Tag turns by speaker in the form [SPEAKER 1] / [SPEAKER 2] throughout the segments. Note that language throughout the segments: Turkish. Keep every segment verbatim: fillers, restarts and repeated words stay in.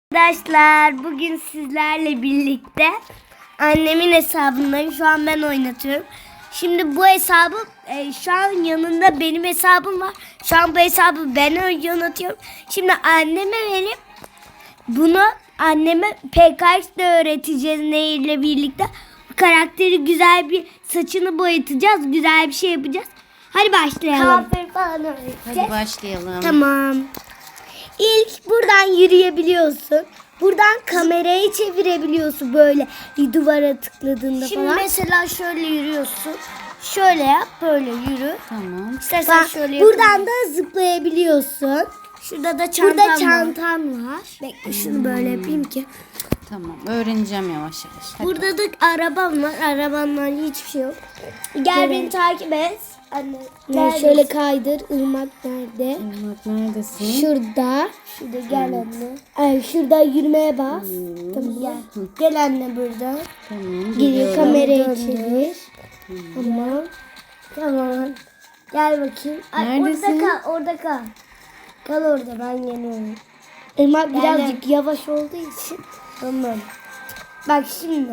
[SPEAKER 1] Arkadaşlar bugün sizlerle birlikte annemin hesabındayım. Şu an ben oynatıyorum. Şimdi bu hesabı e, şu an yanında benim hesabım var. Şu an bu hesabı ben yönetiyorum. Şimdi anneme verip bunu anneme P K X'de öğreteceğiz Nehir'le birlikte. Bu karakteri güzel bir saçını boyatacağız. Güzel bir şey yapacağız. Hadi başlayalım.
[SPEAKER 2] Kahve falan öğreteceğiz.
[SPEAKER 3] Hadi başlayalım.
[SPEAKER 1] Tamam. İlk buradan yürüyebiliyorsun. Buradan kamerayı çevirebiliyorsun böyle duvara tıkladığında
[SPEAKER 2] Şimdi
[SPEAKER 1] falan.
[SPEAKER 2] mesela şöyle yürüyorsun. Şöyle yap, böyle yürü.
[SPEAKER 3] Tamam.
[SPEAKER 2] İstersen
[SPEAKER 1] Bak,
[SPEAKER 2] şöyle
[SPEAKER 1] buradan da zıplayabiliyorsun.
[SPEAKER 2] Şurada da çantam
[SPEAKER 1] Burada
[SPEAKER 2] var.
[SPEAKER 1] çantan var.
[SPEAKER 2] Bekle şunu böyle yapayım ki.
[SPEAKER 3] Tamam. Öğreneceğim yavaş yavaş. Hadi.
[SPEAKER 2] Burada da arabam var. Arabamla hiçbir şey yok. Gel
[SPEAKER 1] Evet.
[SPEAKER 2] beni takip et. Anne.
[SPEAKER 1] Ne,
[SPEAKER 2] neredesin?
[SPEAKER 1] şöyle kaydır. Irmak nerede?
[SPEAKER 3] Bak neredesin?
[SPEAKER 1] Şurada.
[SPEAKER 2] Şurada gel anne.
[SPEAKER 1] Ay, şurada yürümeye bas.
[SPEAKER 2] Tamam gel. Gel anne burada.
[SPEAKER 3] Tamam.
[SPEAKER 1] Geri
[SPEAKER 3] geliyorum.
[SPEAKER 1] kamerayı
[SPEAKER 2] Döndür.
[SPEAKER 1] çevir.
[SPEAKER 2] Tamam. Tamam. Gel bakayım. Ay,
[SPEAKER 3] Neredesin?
[SPEAKER 2] orada kal. Orada kal. Kal orada, ben geliyorum.
[SPEAKER 1] Irmak
[SPEAKER 2] Gel,
[SPEAKER 1] birazcık yavaş olduğu için.
[SPEAKER 2] Tamam. Bak şimdi.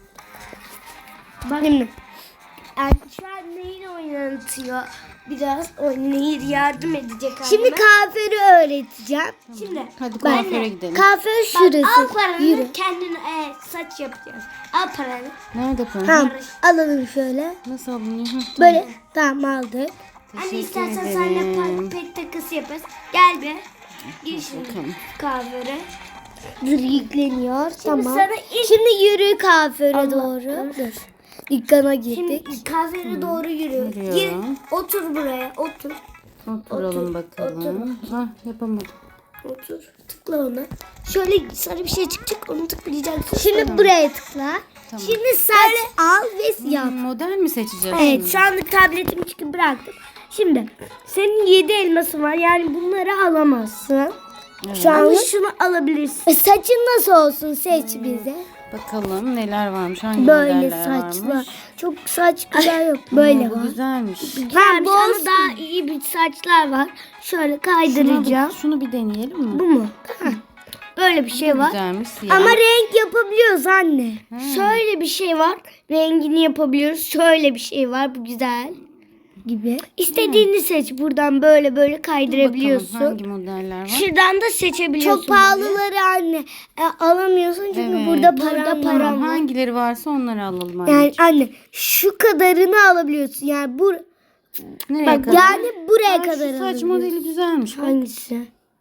[SPEAKER 1] Bak. Şimdi.
[SPEAKER 2] Yani şu an Nehir oynatıyor. Biraz o Nehir yardım edecek anneme.
[SPEAKER 1] Şimdi kahveri öğreteceğim.
[SPEAKER 2] Şimdi
[SPEAKER 3] Hadi
[SPEAKER 2] ben
[SPEAKER 3] kuaföre
[SPEAKER 2] de-
[SPEAKER 3] gidelim.
[SPEAKER 1] Kahve
[SPEAKER 2] bak,
[SPEAKER 1] şurası.
[SPEAKER 2] al paranı,
[SPEAKER 1] Yürü.
[SPEAKER 2] kendine e, saç yapacağız. Al paranı.
[SPEAKER 3] Nerede para?
[SPEAKER 1] Tamam. Alalım şöyle.
[SPEAKER 3] Nasıl alınıyor? Hı,
[SPEAKER 1] Böyle. Tamam aldık.
[SPEAKER 2] Anne
[SPEAKER 3] Teşekkür
[SPEAKER 2] istersen
[SPEAKER 3] ederim.
[SPEAKER 2] seninle pet takısı yaparız. Gel be. Gir şimdi
[SPEAKER 3] bakalım.
[SPEAKER 2] kahvere.
[SPEAKER 1] Dur, yükleniyor. tamam.
[SPEAKER 2] sana ilk-
[SPEAKER 1] Şimdi yürü kahvere
[SPEAKER 2] Allah,
[SPEAKER 1] doğru. Dur. Dükkana girdik.
[SPEAKER 2] Şimdi kahvere doğru yürü.
[SPEAKER 3] Yürüyorum.
[SPEAKER 2] Gir, otur buraya. Otur.
[SPEAKER 3] Oturalım
[SPEAKER 2] Otur,
[SPEAKER 3] bakalım. Ah yapamadım.
[SPEAKER 2] Otur. Tıkla ona. Şöyle sarı bir şey çıkacak. Onu tıklayacaksın.
[SPEAKER 1] Şimdi buraya tıkla.
[SPEAKER 3] Tamam.
[SPEAKER 1] Şimdi saç al ve yap.
[SPEAKER 3] Hmm, model mi seçeceğiz?
[SPEAKER 1] Evet,
[SPEAKER 3] şimdi?
[SPEAKER 1] şu anlık tabletimi çıkıp bıraktım. Şimdi senin yedi elmasın var. Yani bunları alamazsın.
[SPEAKER 3] Evet.
[SPEAKER 1] Şu
[SPEAKER 2] Ama
[SPEAKER 1] an
[SPEAKER 2] şunu alabilirsin.
[SPEAKER 1] saçın nasıl olsun seç bize.
[SPEAKER 3] Bakalım neler varmış. Hangi
[SPEAKER 1] Böyle
[SPEAKER 3] modeller
[SPEAKER 1] saçlar.
[SPEAKER 3] varmış?
[SPEAKER 1] Çok saç güzel yok. Böyle
[SPEAKER 3] Aa, bu
[SPEAKER 1] var.
[SPEAKER 3] güzelmiş.
[SPEAKER 1] Ha, bu
[SPEAKER 2] Ama
[SPEAKER 1] olsun.
[SPEAKER 2] daha iyi bir saçlar var. Şöyle
[SPEAKER 3] Şuna
[SPEAKER 2] kaydıracağım.
[SPEAKER 3] bir- şunu bir deneyelim mi?
[SPEAKER 2] Bu mu? Heh. Böyle bir şey var.
[SPEAKER 3] Güzelmiş. Siyah.
[SPEAKER 1] Ama renk yapabiliyoruz anne.
[SPEAKER 2] Şöyle bir şey var. Rengini yapabiliyoruz. Şöyle bir şey var. Bu güzel.
[SPEAKER 1] Gibi.
[SPEAKER 2] İstediğini seç. Buradan böyle böyle
[SPEAKER 3] Bakalım
[SPEAKER 2] kaydırabiliyorsun.
[SPEAKER 3] hangi modeller var?
[SPEAKER 2] Şuradan da seçebiliyorsun.
[SPEAKER 1] Çok pahalıları anne e, alamıyorsun çünkü
[SPEAKER 3] Evet.
[SPEAKER 1] burada
[SPEAKER 2] Burada
[SPEAKER 1] param
[SPEAKER 2] param
[SPEAKER 1] var.
[SPEAKER 3] Tamam, hangileri varsa onları alalım anne.
[SPEAKER 1] Yani anne şu kadarını alabiliyorsun. Yani bu
[SPEAKER 3] Nereye
[SPEAKER 1] bak
[SPEAKER 3] kadar?
[SPEAKER 1] yani buraya
[SPEAKER 3] Aa, şu
[SPEAKER 1] kadar
[SPEAKER 3] saç
[SPEAKER 1] alabiliyorsun.
[SPEAKER 3] modeli güzelmiş. Bak.
[SPEAKER 2] Hangisi?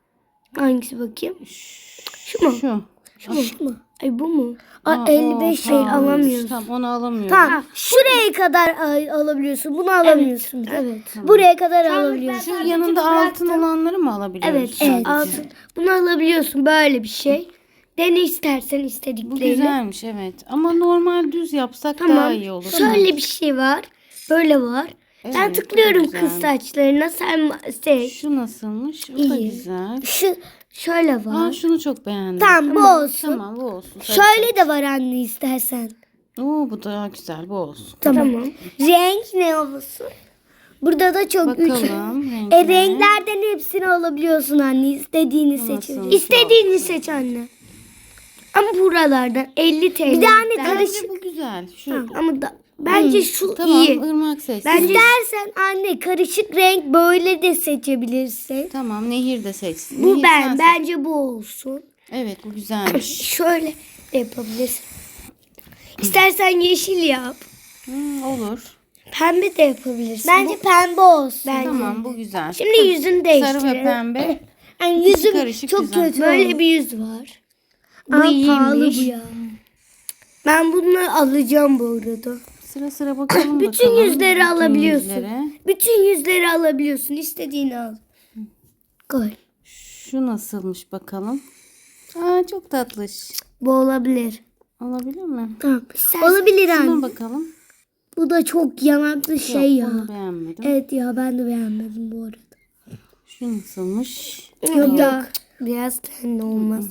[SPEAKER 2] Hangisi bakayım? Şu mu?
[SPEAKER 3] Şu.
[SPEAKER 2] Şu mu? Şu mu? Ay bu mu?
[SPEAKER 1] Aa,
[SPEAKER 2] Aa, elli beş
[SPEAKER 1] o
[SPEAKER 2] şey
[SPEAKER 1] pahalıymış.
[SPEAKER 2] alamıyoruz.
[SPEAKER 3] Tamam onu alamıyorum.
[SPEAKER 1] Tamam. Şuraya kadar al- alabiliyorsun. Bunu alamıyorsun. bir de.
[SPEAKER 2] Evet.
[SPEAKER 1] Buraya kadar alabiliyorsun.
[SPEAKER 3] Şu yanında altın olanları mı alabiliyoruz?
[SPEAKER 2] Evet.
[SPEAKER 3] sadece?
[SPEAKER 2] Evet. Altın. Bunu alabiliyorsun böyle bir şey. Dene istersen
[SPEAKER 3] Bu
[SPEAKER 2] istediklerini.
[SPEAKER 3] güzelmiş evet. Ama normal düz yapsak daha
[SPEAKER 2] Tamam.
[SPEAKER 3] iyi olur.
[SPEAKER 2] Şöyle bir şey var. Böyle var. Ben
[SPEAKER 3] Evet, bu
[SPEAKER 2] tıklıyorum
[SPEAKER 3] güzel.
[SPEAKER 2] kız saçlarına. Sen seç.
[SPEAKER 3] Şu nasılmış? O da
[SPEAKER 2] İyi.
[SPEAKER 3] güzel.
[SPEAKER 1] Şu
[SPEAKER 2] Şöyle
[SPEAKER 3] Aa
[SPEAKER 2] var.
[SPEAKER 3] şunu çok beğendim.
[SPEAKER 1] tamam, bu olsun.
[SPEAKER 3] Tamam bu olsun. Sarı
[SPEAKER 1] Şöyle de var anne istersen.
[SPEAKER 3] saç. Oo bu daha güzel bu olsun.
[SPEAKER 1] Tamam. Renk ne olsun? Burada da çok üç.
[SPEAKER 3] Bakalım
[SPEAKER 1] E,
[SPEAKER 3] renkine.
[SPEAKER 1] renklerden hepsini alabiliyorsun anne. İstediğini
[SPEAKER 3] Bu
[SPEAKER 1] seçebilirsin.
[SPEAKER 3] nasıl?
[SPEAKER 2] İstediğini seç anne. Ama buralardan elli T L.
[SPEAKER 1] Bir de anne
[SPEAKER 3] Bence
[SPEAKER 1] karışık.
[SPEAKER 3] bu güzel. Şu.
[SPEAKER 2] Tamam, ama da, bence şu
[SPEAKER 3] Tamam
[SPEAKER 2] iyi.
[SPEAKER 3] ırmak seç.
[SPEAKER 2] Bence-
[SPEAKER 1] İstersen anne karışık renk böyle de seçebilirsin.
[SPEAKER 3] Tamam Nehir de seçsin.
[SPEAKER 2] Bu
[SPEAKER 3] Nehir
[SPEAKER 2] ben.
[SPEAKER 3] sen seç.
[SPEAKER 2] Bence bu olsun.
[SPEAKER 3] Evet bu güzelmiş.
[SPEAKER 2] Şöyle de yapabilirsin. İstersen yeşil yap.
[SPEAKER 3] Hmm, olur.
[SPEAKER 2] Pembe de yapabilirsin.
[SPEAKER 1] Bence pembe olsun.
[SPEAKER 2] Bence.
[SPEAKER 3] Tamam bu güzel.
[SPEAKER 2] Şimdi yüzünü
[SPEAKER 3] Sarı
[SPEAKER 2] değiştirelim.
[SPEAKER 3] ve pembe.
[SPEAKER 1] Yani yüzüm
[SPEAKER 3] karışık
[SPEAKER 1] çok
[SPEAKER 3] güzel.
[SPEAKER 1] kötü.
[SPEAKER 2] Böyle bir yüz var. Bu
[SPEAKER 1] Aa, pahalı
[SPEAKER 2] iyiymiş.
[SPEAKER 1] bu ya.
[SPEAKER 2] Ben bunu alacağım bu arada.
[SPEAKER 3] Sıra sıra bakalım
[SPEAKER 2] Bütün
[SPEAKER 3] bakalım.
[SPEAKER 2] yüzleri
[SPEAKER 3] Bütün
[SPEAKER 2] alabiliyorsun.
[SPEAKER 3] yüzlere.
[SPEAKER 2] Bütün yüzleri alabiliyorsun. İstediğini al.
[SPEAKER 1] Koy.
[SPEAKER 3] Şu nasılmış bakalım. Aa çok tatlış.
[SPEAKER 2] Bu olabilir.
[SPEAKER 3] Olabilir mi?
[SPEAKER 1] Tamam. Olabilir
[SPEAKER 3] Şuna
[SPEAKER 1] anne.
[SPEAKER 3] bakalım.
[SPEAKER 1] Bu da çok yanaklı şey
[SPEAKER 3] Yok,
[SPEAKER 1] ya.
[SPEAKER 3] bunu beğenmedim.
[SPEAKER 1] Evet ya, ben de beğenmedim bu arada.
[SPEAKER 3] Şu nasılmış?
[SPEAKER 1] Yok yok.
[SPEAKER 2] Biraz tenli olmaz.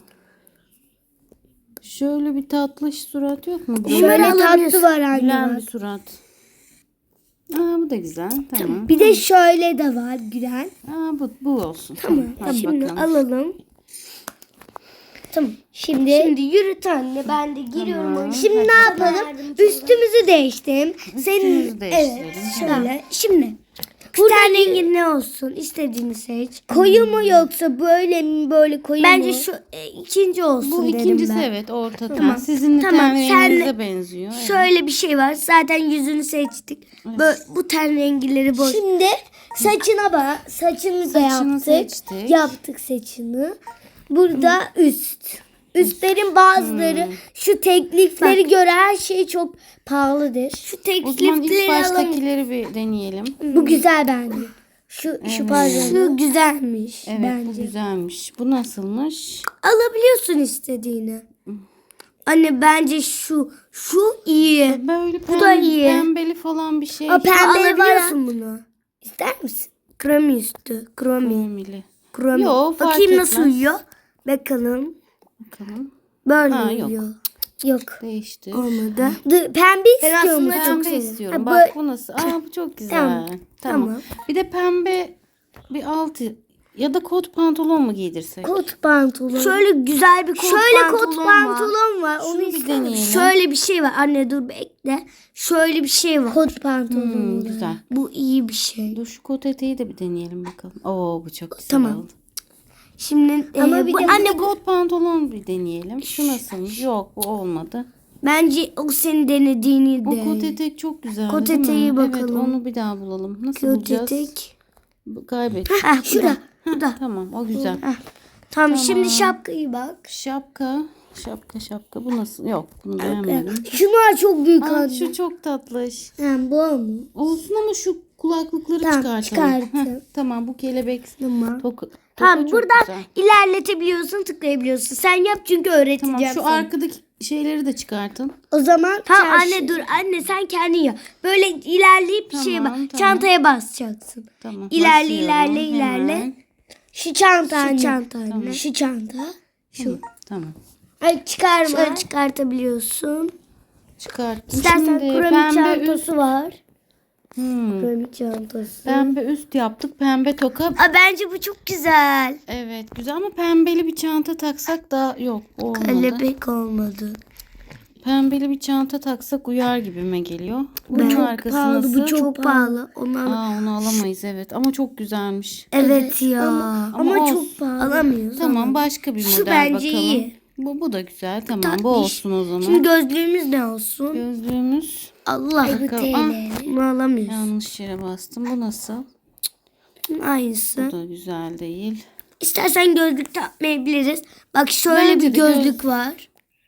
[SPEAKER 3] Şöyle bir tatlış surat yok mu?
[SPEAKER 1] Şöyle
[SPEAKER 2] Bunları
[SPEAKER 1] tatlı
[SPEAKER 2] alabiliyorsun.
[SPEAKER 1] var anne.
[SPEAKER 3] Gülen
[SPEAKER 1] bak.
[SPEAKER 3] bir surat. Aa bu da güzel. Tamam.
[SPEAKER 1] Bir de şöyle de var gülen.
[SPEAKER 3] Aa bu bu olsun.
[SPEAKER 2] Tamam.
[SPEAKER 3] Hadi
[SPEAKER 2] Şimdi
[SPEAKER 3] bakalım.
[SPEAKER 2] alalım. Tamam. Şimdi Şimdi yürüt anne. Ben de giriyorum.
[SPEAKER 3] Tamam.
[SPEAKER 2] oyuna.
[SPEAKER 1] Şimdi
[SPEAKER 3] Hadi
[SPEAKER 1] ne yapalım? Üstümüzü değiştirelim. Senin
[SPEAKER 3] Üstümüzü değiştirelim.
[SPEAKER 1] evet
[SPEAKER 3] Tamam.
[SPEAKER 1] şöyle. Şimdi
[SPEAKER 2] Burada rengin ne olsun? İstediğini seç.
[SPEAKER 1] koyu mu yoksa böyle mi böyle koyu
[SPEAKER 2] Bence
[SPEAKER 1] mu?
[SPEAKER 2] şu e, ikinci olsun
[SPEAKER 3] Bu
[SPEAKER 2] derim
[SPEAKER 3] ikincisi
[SPEAKER 2] ben.
[SPEAKER 3] evet orta ten.
[SPEAKER 2] Tamam.
[SPEAKER 3] Sizin
[SPEAKER 2] Tamam,
[SPEAKER 3] ten renginize
[SPEAKER 2] senle-
[SPEAKER 3] benziyor. Evet.
[SPEAKER 2] Şöyle bir şey var. Zaten yüzünü seçtik. Böyle, bu ten rengileri boş.
[SPEAKER 1] Şimdi saçına bak. Saçını da
[SPEAKER 3] Saçını
[SPEAKER 1] yaptık.
[SPEAKER 3] seçtik.
[SPEAKER 1] Yaptık saçını. Burada üst. Üstlerin bazıları şu teklifleri göre her şey çok pahalıdır.
[SPEAKER 2] Şu
[SPEAKER 3] O zaman ilk
[SPEAKER 2] teklifleri alalım.
[SPEAKER 3] baştakileri bir deneyelim.
[SPEAKER 1] Bu güzel bence. Şu şu pardon.
[SPEAKER 2] Şu güzelmiş.
[SPEAKER 3] Evet bu güzelmiş. Bu nasılmış?
[SPEAKER 2] Alabiliyorsun istediğini. Anne bence şu şu iyi.
[SPEAKER 3] Böyle
[SPEAKER 2] Bu da iyi.
[SPEAKER 3] pembeli falan bir şey.
[SPEAKER 1] O pembe
[SPEAKER 2] Alabiliyorsun bunu. İster misin? Kromi üstü. Kromi.
[SPEAKER 3] Pembeli.
[SPEAKER 2] Kromi.
[SPEAKER 3] Yo, fark
[SPEAKER 2] Bakayım nasıl
[SPEAKER 3] etmez.
[SPEAKER 2] uyuyor. Bakalım.
[SPEAKER 3] Bakalım.
[SPEAKER 2] Böyle
[SPEAKER 3] Ha, yok.
[SPEAKER 2] uyuyor.
[SPEAKER 1] Yok.
[SPEAKER 3] Değiştir.
[SPEAKER 2] Olmadı.
[SPEAKER 1] D- pembe
[SPEAKER 2] Ben
[SPEAKER 1] istiyor
[SPEAKER 2] aslında
[SPEAKER 1] musun?
[SPEAKER 3] Pembe
[SPEAKER 2] seviyorum.
[SPEAKER 3] istiyorum.
[SPEAKER 1] Ha,
[SPEAKER 3] Bak
[SPEAKER 1] bu-
[SPEAKER 3] bu nasıl? Aa bu çok güzel.
[SPEAKER 1] Tamam,
[SPEAKER 3] Tamam.
[SPEAKER 2] tamam.
[SPEAKER 3] Bir de pembe bir altı ya da kot pantolon mu giydirsek?
[SPEAKER 1] Kot pantolon.
[SPEAKER 2] Şöyle güzel bir kot
[SPEAKER 1] Şöyle
[SPEAKER 2] pantolon
[SPEAKER 1] kot
[SPEAKER 2] var.
[SPEAKER 1] pantolon var.
[SPEAKER 3] Şunu
[SPEAKER 1] Onu
[SPEAKER 3] bir
[SPEAKER 1] ister misin?
[SPEAKER 3] deneyelim.
[SPEAKER 2] Şöyle bir şey var. Anne dur bekle. Şöyle bir şey var.
[SPEAKER 1] Kot pantolon.
[SPEAKER 3] Hmm,
[SPEAKER 1] var.
[SPEAKER 3] güzel.
[SPEAKER 2] Bu iyi bir şey.
[SPEAKER 3] Dur şu kot eteği de bir deneyelim bakalım. Oo bu çok güzel
[SPEAKER 2] Tamam.
[SPEAKER 3] oldu.
[SPEAKER 2] Şimdi
[SPEAKER 1] Ama
[SPEAKER 2] e,
[SPEAKER 1] bir
[SPEAKER 2] bu,
[SPEAKER 1] de-
[SPEAKER 2] anne
[SPEAKER 3] Bu kot pantolon bir deneyelim. Şu nasılmış? Yok bu olmadı.
[SPEAKER 2] bence o senin denediğini
[SPEAKER 3] O
[SPEAKER 2] de.
[SPEAKER 3] kot etek çok güzel.
[SPEAKER 2] Kot
[SPEAKER 3] değil mi?
[SPEAKER 2] eteği
[SPEAKER 3] Evet
[SPEAKER 2] bakalım.
[SPEAKER 3] onu bir daha bulalım. Nasıl
[SPEAKER 2] Kot
[SPEAKER 3] bulacağız?
[SPEAKER 2] etek.
[SPEAKER 3] Bu- Kaybettik.
[SPEAKER 2] Heh, şurada.
[SPEAKER 3] Heh,
[SPEAKER 2] Burada.
[SPEAKER 3] tamam o güzel.
[SPEAKER 2] Heh. Tamam, şimdi şapkayı bak.
[SPEAKER 3] Şapka. Şapka şapka. Bu nasıl? Yok bunu beğenmedim.
[SPEAKER 1] Şunlar çok büyük
[SPEAKER 3] Aa,
[SPEAKER 1] anne.
[SPEAKER 3] şu çok tatlış.
[SPEAKER 1] Ha, bu mu?
[SPEAKER 3] Olsun ama şu kulaklıkları
[SPEAKER 1] Tamam,
[SPEAKER 3] çıkartalım.
[SPEAKER 1] çıkartın.
[SPEAKER 3] Heh, tamam bu kelebek.
[SPEAKER 2] Tamam.
[SPEAKER 3] Toka, toka
[SPEAKER 2] Tamam,
[SPEAKER 3] çok
[SPEAKER 2] buradan
[SPEAKER 3] güzel.
[SPEAKER 2] ilerletebiliyorsun, tıklayabiliyorsun. Sen yap çünkü öğreteceğim
[SPEAKER 3] Tamam şu
[SPEAKER 2] sana.
[SPEAKER 3] arkadaki şeyleri de çıkartın.
[SPEAKER 1] O zaman
[SPEAKER 2] Tamam
[SPEAKER 1] çarşı-
[SPEAKER 2] anne dur anne sen kendin yap. Böyle ilerleyip bir şeye bak.
[SPEAKER 3] Tamam, tamam.
[SPEAKER 2] Çantaya basacaksın.
[SPEAKER 3] Tamam.
[SPEAKER 2] İlerle,
[SPEAKER 3] basıyorum.
[SPEAKER 2] ilerle, ilerle.
[SPEAKER 3] Hemen.
[SPEAKER 1] Şu çanta
[SPEAKER 2] Şu
[SPEAKER 1] anne.
[SPEAKER 2] çanta anne.
[SPEAKER 1] Şu çanta.
[SPEAKER 3] Şu. Tamam.
[SPEAKER 1] Ay çıkarma.
[SPEAKER 2] Şöyle çıkartabiliyorsun.
[SPEAKER 3] Çıkarttım.
[SPEAKER 1] İstersen
[SPEAKER 3] Şimdi
[SPEAKER 1] kromi
[SPEAKER 3] pembe üst.
[SPEAKER 1] çantası var.
[SPEAKER 3] Hmm.
[SPEAKER 1] Kromi çantası.
[SPEAKER 3] Pembe üst yaptık. Pembe toka.
[SPEAKER 2] Aa, bence bu çok güzel.
[SPEAKER 3] Evet güzel ama pembeli bir çanta taksak da yok olmadı.
[SPEAKER 2] Kelebek olmadı.
[SPEAKER 3] Pembeli bir çanta taksak uyar gibime geliyor.
[SPEAKER 2] Bu
[SPEAKER 3] Bunun
[SPEAKER 2] çok
[SPEAKER 3] arkası
[SPEAKER 2] pahalı.
[SPEAKER 3] nasıl?
[SPEAKER 2] Bu çok pahalı. Onu al-
[SPEAKER 3] Aa onu alamayız evet ama çok güzelmiş.
[SPEAKER 2] Evet ya.
[SPEAKER 3] Ama
[SPEAKER 1] Ama
[SPEAKER 3] olsun.
[SPEAKER 1] çok pahalı.
[SPEAKER 2] Alamıyoruz.
[SPEAKER 3] Tamam başka bir
[SPEAKER 2] Şu
[SPEAKER 3] model
[SPEAKER 2] bence
[SPEAKER 3] bakalım.
[SPEAKER 2] iyi.
[SPEAKER 3] Bu, bu da güzel tamam
[SPEAKER 2] Tatlış.
[SPEAKER 3] bu olsun o zaman.
[SPEAKER 2] Şimdi gözlüğümüz ne olsun?
[SPEAKER 3] Gözlüğümüz
[SPEAKER 2] Allah.
[SPEAKER 1] Bu
[SPEAKER 3] Bakalım.
[SPEAKER 1] T
[SPEAKER 3] Ah.
[SPEAKER 1] L.
[SPEAKER 2] Bunu alamıyoruz.
[SPEAKER 3] yanlış yere bastım. Bu nasıl?
[SPEAKER 2] Aynısı.
[SPEAKER 3] Bu da güzel değil.
[SPEAKER 2] İstersen gözlük takmayabiliriz. Bak şöyle
[SPEAKER 3] Bence
[SPEAKER 2] bir
[SPEAKER 3] de göz-
[SPEAKER 2] gözlük var.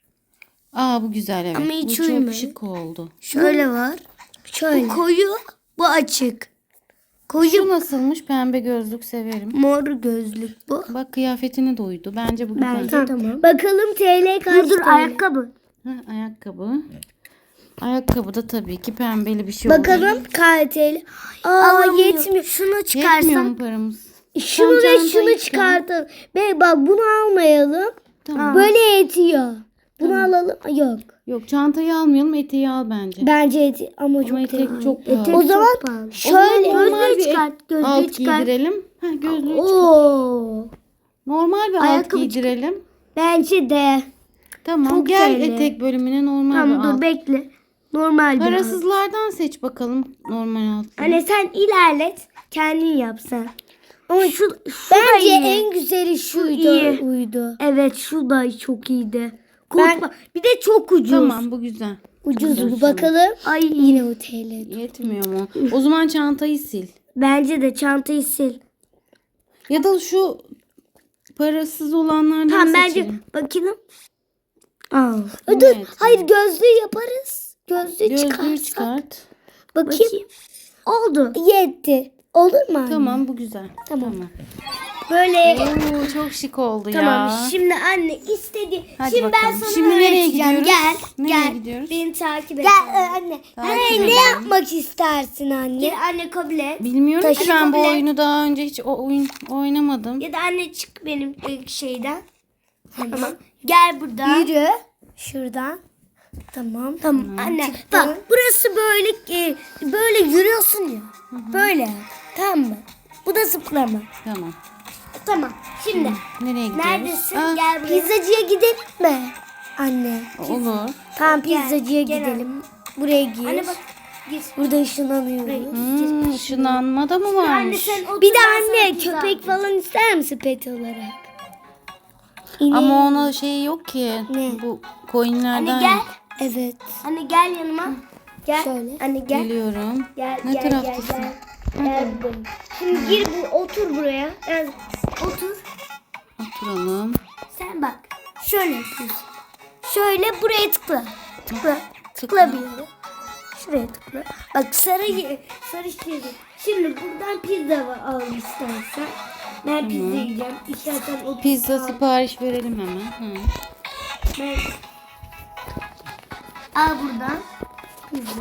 [SPEAKER 3] Aa bu güzel evet.
[SPEAKER 2] Ama hiç
[SPEAKER 3] bu çok
[SPEAKER 2] uymuyor.
[SPEAKER 3] şık oldu.
[SPEAKER 2] Şöyle var.
[SPEAKER 1] Şöyle.
[SPEAKER 2] Bu koyu, bu açık. Koyu
[SPEAKER 3] Şu nasılmış? Pembe gözlük severim.
[SPEAKER 2] mor gözlük bu.
[SPEAKER 3] Bak kıyafetine de uydu. Bence bu güzel.
[SPEAKER 2] Bence tamam.
[SPEAKER 1] Bakalım T L kaç
[SPEAKER 2] Dur dur
[SPEAKER 1] T L?
[SPEAKER 2] ayakkabı.
[SPEAKER 3] Ha, ayakkabı. Ayakkabı da tabii ki pembeli bir şey oldu.
[SPEAKER 1] Bakalım kaç T L? Aa
[SPEAKER 2] Alamıyor.
[SPEAKER 1] yetmiyor.
[SPEAKER 2] Şunu
[SPEAKER 3] Yetmiyor
[SPEAKER 2] çıkarsan.
[SPEAKER 3] mu paramız?
[SPEAKER 1] Şunu
[SPEAKER 3] Tam
[SPEAKER 1] ve
[SPEAKER 3] çantayı
[SPEAKER 1] şunu
[SPEAKER 3] çıkar.
[SPEAKER 1] çıkartalım. Be bak bunu almayalım.
[SPEAKER 3] Tamam.
[SPEAKER 1] Böyle yetiyor. Bunu alalım. Yok.
[SPEAKER 3] Yok çantayı almayalım eteği al bence.
[SPEAKER 1] Bence eti ama çok
[SPEAKER 3] Ama etek
[SPEAKER 1] pahalı.
[SPEAKER 3] çok pahalı.
[SPEAKER 1] O
[SPEAKER 2] çok
[SPEAKER 1] zaman
[SPEAKER 2] pahalı.
[SPEAKER 1] şöyle.
[SPEAKER 3] normal
[SPEAKER 2] Gözlüğü
[SPEAKER 3] bir
[SPEAKER 2] çıkart. Gözlüğü
[SPEAKER 3] alt
[SPEAKER 2] çıkart.
[SPEAKER 3] giydirelim. Ha, gözlüğü çıkar.
[SPEAKER 1] Oo.
[SPEAKER 3] Normal bir alt
[SPEAKER 2] Ayakkabı
[SPEAKER 3] giydirelim.
[SPEAKER 1] Bence de.
[SPEAKER 3] Tamam
[SPEAKER 2] Çok
[SPEAKER 3] gel
[SPEAKER 2] güzel.
[SPEAKER 3] etek bölümüne normal
[SPEAKER 2] Tamam
[SPEAKER 3] bir
[SPEAKER 2] dur
[SPEAKER 3] alt.
[SPEAKER 2] bekle. Normal bir alt.
[SPEAKER 3] Parasızlardan seç bakalım normal alt.
[SPEAKER 2] Anne sen ilerlet. Kendin yap sen. Ama şu, şu
[SPEAKER 1] Bence
[SPEAKER 2] da iyi.
[SPEAKER 1] en güzeli şuydu.
[SPEAKER 2] iyi.
[SPEAKER 1] Uydu.
[SPEAKER 2] Evet şu da çok iyiydi. Kot
[SPEAKER 1] Ben-
[SPEAKER 2] ba- bir de çok ucuz.
[SPEAKER 3] Tamam bu güzel.
[SPEAKER 1] Ucuz bu bakalım.
[SPEAKER 2] Ay
[SPEAKER 1] Yine o T L.
[SPEAKER 3] Yetmiyor mu? O zaman çantayı sil.
[SPEAKER 2] bence de çantayı sil.
[SPEAKER 3] Ya da şu parasız olanlardan
[SPEAKER 2] Tamam bence
[SPEAKER 3] seçelim.
[SPEAKER 2] bakalım. Al.
[SPEAKER 1] Dur.
[SPEAKER 3] Evet.
[SPEAKER 1] Hayır gözlüğü yaparız. Gözlüğü,
[SPEAKER 3] Gözlüğü
[SPEAKER 1] çıkarsak.
[SPEAKER 3] çıkart.
[SPEAKER 1] Bakayım.
[SPEAKER 2] Bakayım. Oldu.
[SPEAKER 1] Yetti. Olur mu anne?
[SPEAKER 3] Tamam bu güzel.
[SPEAKER 1] Tamam.
[SPEAKER 3] Tamam.
[SPEAKER 2] Böyle
[SPEAKER 3] Oo, çok şık oldu
[SPEAKER 2] tamam.
[SPEAKER 3] ya.
[SPEAKER 2] Şimdi anne istedi.
[SPEAKER 3] Hadi
[SPEAKER 2] Şimdi ben
[SPEAKER 3] bakalım.
[SPEAKER 2] sana
[SPEAKER 3] Şimdi nereye
[SPEAKER 2] öğreteceğim.
[SPEAKER 3] gidiyoruz?
[SPEAKER 2] Gel.
[SPEAKER 3] Nereye
[SPEAKER 2] gel.
[SPEAKER 3] gidiyoruz?
[SPEAKER 2] Beni takip et.
[SPEAKER 1] Gel e, anne.
[SPEAKER 3] Takip
[SPEAKER 1] Anne
[SPEAKER 3] edelim.
[SPEAKER 1] ne yapmak istersin anne?
[SPEAKER 2] Gel anne kabul et.
[SPEAKER 3] Bilmiyorum ki
[SPEAKER 2] Taşı
[SPEAKER 3] ben bu
[SPEAKER 2] kabul et.
[SPEAKER 3] oyunu daha önce hiç o oyun oynamadım.
[SPEAKER 2] Ya da anne çık benim e, şeyden. Tamam. Gel buradan.
[SPEAKER 1] Yürü. Şuradan. Tamam.
[SPEAKER 2] Tamam anne. Bak burası böyle e, böyle yürüyorsun ya. Böyle. Tamam mı? Bu da zıplama.
[SPEAKER 3] Tamam.
[SPEAKER 1] Tamam. Şimdi
[SPEAKER 3] Nereye gidiyoruz?
[SPEAKER 1] neredesin?
[SPEAKER 3] Aa,
[SPEAKER 1] Gel buraya.
[SPEAKER 2] Pizzacıya gidelim mi? Anne.
[SPEAKER 3] olur.
[SPEAKER 2] Tamam
[SPEAKER 1] Gel,
[SPEAKER 2] pizzacıya
[SPEAKER 1] gel
[SPEAKER 2] gidelim. Buraya gir.
[SPEAKER 1] Anne bak. Gir.
[SPEAKER 2] Burada ışınlanıyoruz.
[SPEAKER 3] Hmm, ışınlanma da mı
[SPEAKER 1] Anne
[SPEAKER 3] varmış?
[SPEAKER 1] sen otur.
[SPEAKER 2] Bir de
[SPEAKER 1] ben sana
[SPEAKER 2] anne
[SPEAKER 1] pizza
[SPEAKER 2] köpek
[SPEAKER 1] alacağım.
[SPEAKER 2] falan ister misin pet olarak?
[SPEAKER 3] Ama ona şey yok ki.
[SPEAKER 2] Ne?
[SPEAKER 3] Bu coinlerden.
[SPEAKER 1] Anne gel.
[SPEAKER 2] Evet.
[SPEAKER 1] Anne gel yanıma. Gel.
[SPEAKER 2] Şöyle.
[SPEAKER 1] Anne gel.
[SPEAKER 3] Geliyorum.
[SPEAKER 1] Gel
[SPEAKER 3] Ne
[SPEAKER 1] gel gel
[SPEAKER 3] taraftasın?
[SPEAKER 1] gel. Gel buradayım. Şimdi gir bu otur buraya. Yani otur.
[SPEAKER 3] Oturalım.
[SPEAKER 1] Sen bak. Şöyle yapıyorsun. Şöyle buraya tıkla. Tıkla. Tıkla
[SPEAKER 3] Tıkla.
[SPEAKER 1] bir yere. Şuraya tıkla. Bak sarı ye- sarı çizgi. Şimdi buradan pizza var, al istersen. Ben pizza yiyeceğim. İstersen o
[SPEAKER 3] Pizza
[SPEAKER 1] al.
[SPEAKER 3] sipariş verelim hemen. Hı.
[SPEAKER 1] Ben... Al buradan. Pizza.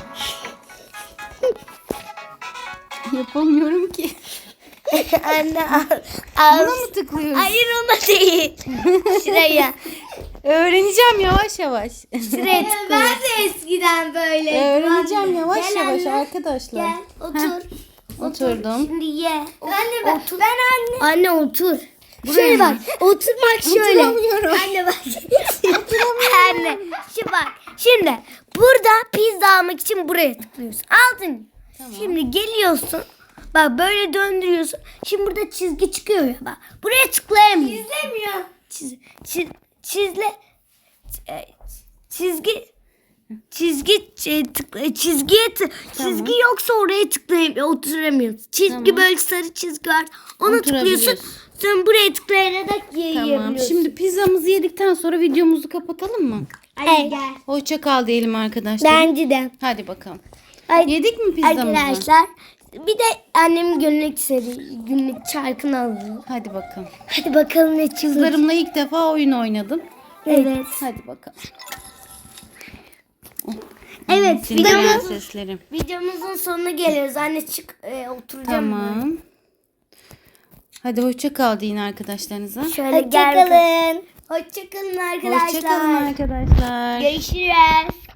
[SPEAKER 3] Yapamıyorum ki.
[SPEAKER 1] Anne al. al.
[SPEAKER 3] Buna mı tıklıyoruz?
[SPEAKER 1] Hayır ona değil. Şuraya.
[SPEAKER 3] Öğreneceğim yavaş yavaş.
[SPEAKER 1] Şuraya tıkla. Ben de eskiden böyle.
[SPEAKER 3] Öğreneceğim yavaş
[SPEAKER 1] Gel
[SPEAKER 3] yavaş
[SPEAKER 1] anne.
[SPEAKER 3] arkadaşlar.
[SPEAKER 1] Gel otur.
[SPEAKER 3] Oturdum.
[SPEAKER 1] Şimdi ye.
[SPEAKER 2] Anne ben,
[SPEAKER 1] Otur.
[SPEAKER 2] ben anne.
[SPEAKER 1] Anne otur.
[SPEAKER 2] Şöyle bak. Oturmak şöyle.
[SPEAKER 3] Oturamıyorum.
[SPEAKER 1] Anne bak. Anne. Şimdi bak. Şimdi burada pizza almak için buraya tıklıyorsun. Aldın. Şimdi geliyorsun. Bak böyle döndürüyorsun. Şimdi burada çizgi çıkıyor ya bak. Buraya tıklayamıyorsun.
[SPEAKER 2] İzlemiyor.
[SPEAKER 1] Çiz, çiz, çizle e, çizgi çizgi şey, tıkla, çizgiye tık, çizgi yoksa oraya tıklayamıyor, oturamıyorsun. Çizgi
[SPEAKER 3] Tamam.
[SPEAKER 1] böyle sarı çizgi var. Onu tıklıyorsun.
[SPEAKER 3] Oturabiliyorsun.
[SPEAKER 1] Sen buraya tıklayarak
[SPEAKER 3] Tamam.
[SPEAKER 1] yiyebiliyorsun.
[SPEAKER 3] Şimdi pizzamızı yedikten sonra videomuzu kapatalım mı?
[SPEAKER 1] Hadi gel.
[SPEAKER 3] Hoşça kal diyelim arkadaşlar.
[SPEAKER 2] Bence de.
[SPEAKER 3] Hadi bakalım.
[SPEAKER 1] Ay,
[SPEAKER 3] Yedik mi pizzamızı?
[SPEAKER 1] arkadaşlar bir de annemin günlük seri günlük çarkını alalım.
[SPEAKER 3] Hadi bakalım.
[SPEAKER 1] Hadi bakalım ne çizgi.
[SPEAKER 3] Kızlarımla ilk defa oyun oynadım.
[SPEAKER 1] Evet.
[SPEAKER 3] Hadi bakalım.
[SPEAKER 1] Evet,
[SPEAKER 3] Senin
[SPEAKER 1] videomuz-
[SPEAKER 3] seslerim.
[SPEAKER 1] Videomuzun sonuna geliyoruz. Anne çık e, oturacağım. ben.
[SPEAKER 3] Tamam. Hadi hoşça kal deyin arkadaşlarınıza.
[SPEAKER 1] Şöyle gel.
[SPEAKER 2] Hoşçakalın.
[SPEAKER 1] Hoşçakalın arkadaşlar.
[SPEAKER 3] Hoşça kalın arkadaşlar.
[SPEAKER 1] Görüşürüz.